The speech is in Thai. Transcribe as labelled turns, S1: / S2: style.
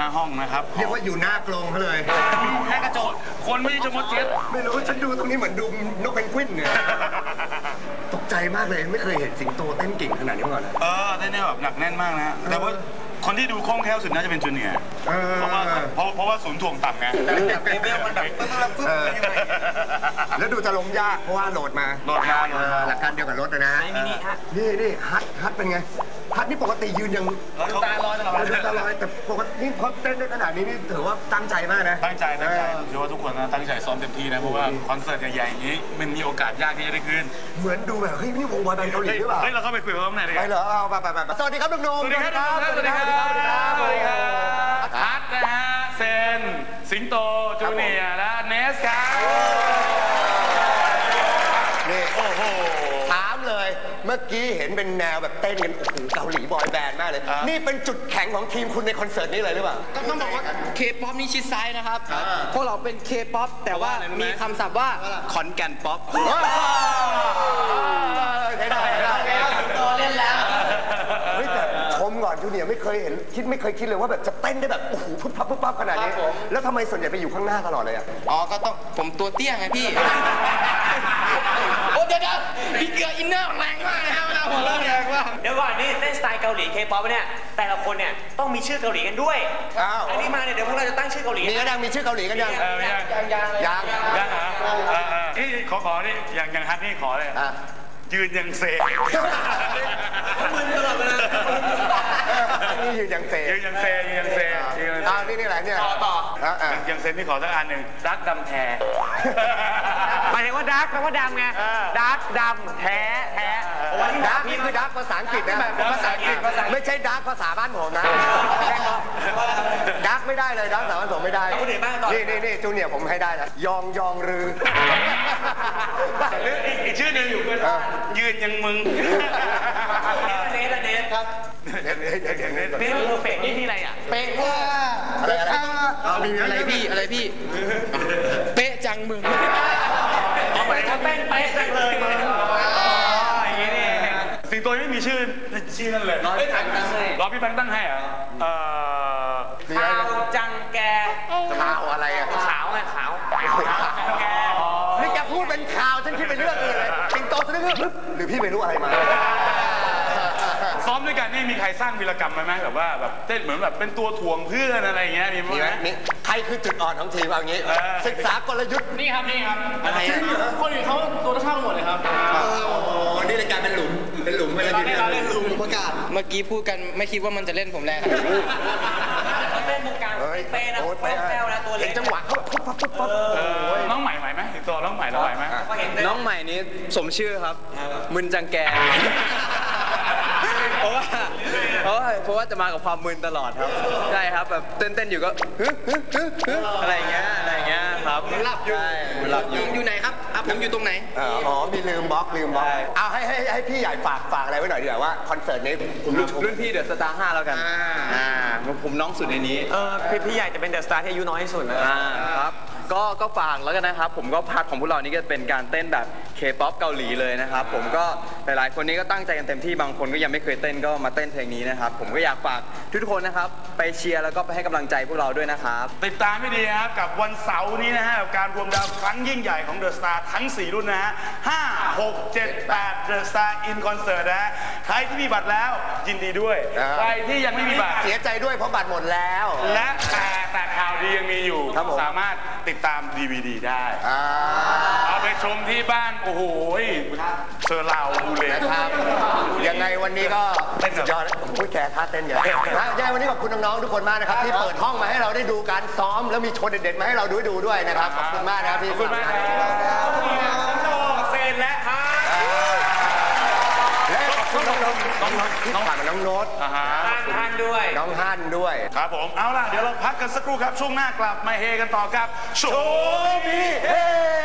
S1: ห้องนะครับ
S2: เรียกว่าอยู่หน้ากรงเขาเลย
S1: หน้ากระจกคนไม่ใช่ชมดเจ็ด
S2: ไม่รู้ฉันดูตรงนี้เหมือนดูนกเพนกวินเนี่ยตกใจมากเลยไม่เคยเห็นสิงโตเต้นเก่งขนาดนี้มาก่อนเลย
S1: เต้นแบบหนักแน่นมากนะแต่ว่าคนที่ดูคล่องแคล่วสุดน่าจะเป็นจูเนียร์เพราะว่าศูนย์ถ่วงต่ำไง
S2: แบบเลเวลมันแบบปึ๊บแล้วดูจะล้มยากเพราะว่าโหลดมาหลักการเดียวกับรถนะนี่ฮัทเป็นไงฮัทนี่ปกติยืนยัง
S1: ตาลอยตลอ
S2: ดแต่ปกตินี่พอเต้นได้ขนาดนี้นี่ถือว่าตั้งใจมากนะ
S1: ตั้งใจเชื่อว่าทุกคนนะตั้งใจซ้อมเต็มที่นะเพราะว่าคอนเสิร์ตใหญ่ๆอย่างนี้มันมีโอกาสยากที่จะได้ขึ้น
S2: เหมือนดูแบบเฮ้ยนี่วงบอยแบนด์เกาหลีหรือเปล่า
S1: เราเข้าไปคุยกับเขาหน่อยเลย
S2: ไปเหรอเอาไปสวัสดีครับนุ่มๆ
S1: สวัสดีครับฮัทนะฮะเซนสิงโตจูเนียร์และเนสครับ
S2: นี่โอ้โหถามเลยเมื่อกี้เห็นเป็นแนวแบบเต้นกันโอ้โหเกาหลีบอยแบนด์มากเลยนี่เป็นจุดแข็งของทีมคุณในคอนเสิร์ตนี้เลยหรือเปล่า
S3: ต้องบอกว่าเคป๊อปนี่ชิดซ้ายนะครับพวกเราเป็นเคป๊อปแต่ว่ามีคำศัพท์ว่าขอนแก่นป๊อป
S2: ได้
S3: ตัวเล่นแล้ว
S2: เฮ้ยแต่ชมก่อนจูเนียร์ไม่เคยคิดเลยว่าแบบจะเต้นได้แบบโอ้โหปุ๊บปั๊บขนาดนี้แล้วทำไมส่วนใหญ่ไปอยู่ข้างหน้าตลอดเลยอ่ะ
S3: ก็ต้องผมตัวเตี้ยไงพี่โอ้เดี๋ยวพี่เกลืออินเนอร์แรงมากนะครับนะผมแรงมาก
S4: เดี๋ยวก่อนนี่เต้นสไตล์เกาหลีเคป๊อปเนี่ยแต่ละคนเนี่ยต้องมีชื่อเกาหลีกันด้วยอันนี้มาเนี่ยเดี๋ยวพวกเราจะตั้งชื่อเกาหลี
S2: มีก็ยังมีชื่อเกาหลีกันยัง
S1: ขอนี่อย่างฮัทนี่ขอเลยยืนยังเซ
S3: มึนตลอดเวลา
S2: นี่ยืนยังเซนี่แหละเนี่ย
S3: ต่อ
S1: ยังเซนนี่ขอสักอันหนึ่งดักดำแท้
S4: หมายถึงว่าดักแปลว่าดำไงดักดำแท้
S2: ดักนี่คือดักภาษาอังกฤษนะภาษาอังกฤษไม่ใช่ดักภาษาบ้านผมนะดักไม่ได้เลยดักภาษาบ้านผมไม่ได้นี่จูเนียร์ผมให้ได้นะยองรือ
S1: อีกชื่อหนึ่งอยู่ยืนยังมึง
S4: เนสครับ
S2: เนส
S4: เพอร์เฟกต์นี่ที่อะไรอ่ะ
S3: เป๊ะว่าอะไรพี่เป๊ะจังมึง
S4: เอาไปทำเป๊ะจังเลยอย่างนี้นี่
S1: สิงโตไม่มีชื่อนั่นเลย
S4: รอพี่แบงค์ตั้ง
S1: ให้เหรอ
S4: ข่าวจังแก
S2: ข่าวอะไรอ่ะ
S4: ขาวไงขาวแก
S2: นี่จะพูดเป็นข่าวฉันคิดเป็นเรื่องอื่นเลยสิงโตฉันนึกหรือพี่ไม่รู้อะไรมา
S1: ซ้อมด้วยกันนี่มีใครสร้างวีรกรรมไหมแบบว่าแบบเต้นเหมือนแบบเป็นตัวถ่วงเพื่อนอะไรอย่างเงี้ยมีไหม
S2: ใครคือจุดอ่อนของทีมเอางี้ศึกษากลยุทธ์
S4: นี่ครับคนอื่นเขาตัวเท่าหมดเลยครับ
S2: นี่รายการเป็นหลุมเวลา
S3: เล่นหลุมประกาศเมื่อกี้พูดกันไม่คิดว่ามันจะเล่นผมแรง
S4: เล่นมุกการเป้นะแป้วนะตัวเล็ก
S2: จังหวะเขาปุ๊บ
S1: น้องใหม่ไหวไหมสิงโตน้องใหม่เราไหวไหม
S3: น้องใหม่นี้สมชื่อครับมึนจังแกเพราะว่าจะมากับความมึนตลอดครับใช่ครับแบบเต้นอยู่ก็อะไรเงี้ยครับหลับอยู่ไหนครับผมอยู่ตรงไหน
S2: มีลืมบล็อกเอาให้พี่ใหญ่ฝากอะไรไว้หน่อยดีกว่าว่าคอนเสิร์ตนี้
S3: ผมรุ่นพี่เดอะสตาร์5แล้วกันผมน้องสุดในนี้
S4: พี่ใหญ่จะเป็นเดอะสตาร์ที่อายุน้อยที่สุดนะครับ
S3: ก็ฝากแล้วกันนะครับผมก็พาร์ทของพวกเรานี่ก็เป็นการเต้นแบบเคป๊อปเกาหลีเลยนะครับผมก็หลายๆคนนี้ก็ตั้งใจกันเต็มที่บางคนก็ยังไม่เคยเต้นก็มาเต้นเพลงนี้นะครับผมก็อยากฝากทุกคนนะครับไปเชียร์แล้วก็ไปให้กำลังใจพวกเราด้วยนะครับ
S1: ติดตามให้ดีครับกับวันเสาร์นี้นะฮะกับการรวมดาวครั้งยิ่งใหญ่ของเดอะสตาร์ทั้ง4รุ่นนะฮะ5 6 7 8เดอะสตาร์อินคอนเสิร์ตนะใครที่มีบัตรแล้วยินดีด้วยใครที่ยังไม่มีบัตร
S2: เสียใจด้วยเพราะบัตรหมดแล้ว
S1: และแต่ข่าวดียังมีอยู่สามารถติดตาม DVD ได้เอาไปชมที่บ้านโอ้โหเซอร์ลาวดูเลย
S2: ครับยังไงวันนี้ก็สุดยอดพูดแค่ท่าเต้นเยอะยังวันนี้ขอบคุณน้องๆทุกคนมากนะครับที่เปิดห้องมาให้เราได้ดูการซ้อมแล้วมีโชว์เด็ดๆมาให้เราดูด้วยนะครับขอบคุณมากนะครับพี่
S1: ขอบคุณมากเซนและฮัท
S2: และขอบคุณน้องที่ผ่านมาน้องโน้ต
S4: ฮันด้วย
S2: น้องฮันด้วย
S1: ครับผมเอาล่ะเดี๋ยวเราพักกันสักครู่ครับช่วงหน้ากลับมาเฮกันต่อกับโชว์มีเฮ